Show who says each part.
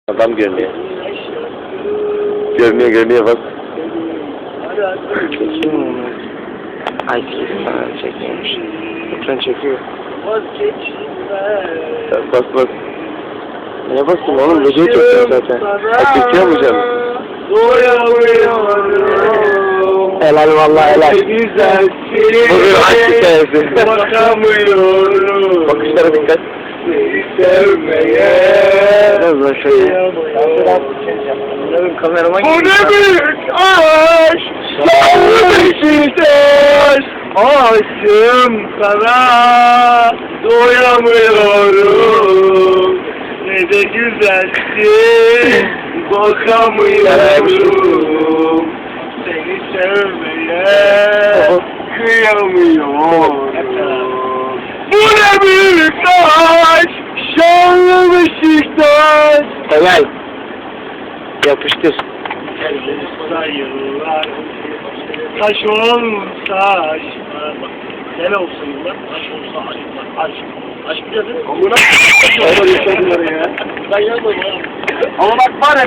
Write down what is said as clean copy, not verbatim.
Speaker 1: Adam görünüyor. Görünüyor bak.
Speaker 2: Çekiyor mu onu? Ay sana çekiyormuş. Ekran çekiyor.
Speaker 1: Bak.
Speaker 2: Neye bastın oğlum? Videoyu çekiyor zaten.
Speaker 1: Çekiyor mu canım?
Speaker 2: Helal vallahi helal.
Speaker 1: Bugün aşk hikayesi.
Speaker 3: Bakamıyorum.
Speaker 1: Bakışlara dikkat.
Speaker 3: Sevmeye.
Speaker 2: Biraz daha şöyle. Kamerama
Speaker 3: Bu ne büyük aşk. Beşiktaş. Aşığım sana. Doyamıyorum. Ne de güzelsin. Bakamıyorum. Seni sevmeye kıyamıyorum. Bu ne büyük aşk. Şanlı Beşiktaş.
Speaker 2: Helal. Yapıştır.
Speaker 3: Sayılar. Taş olsa aşklar. Gene olsun yıllar. Taş olsa aşklar. Aşk. Aşk biliyor değil mi? Amına. Ben yazmadım ha. Ama bak var ya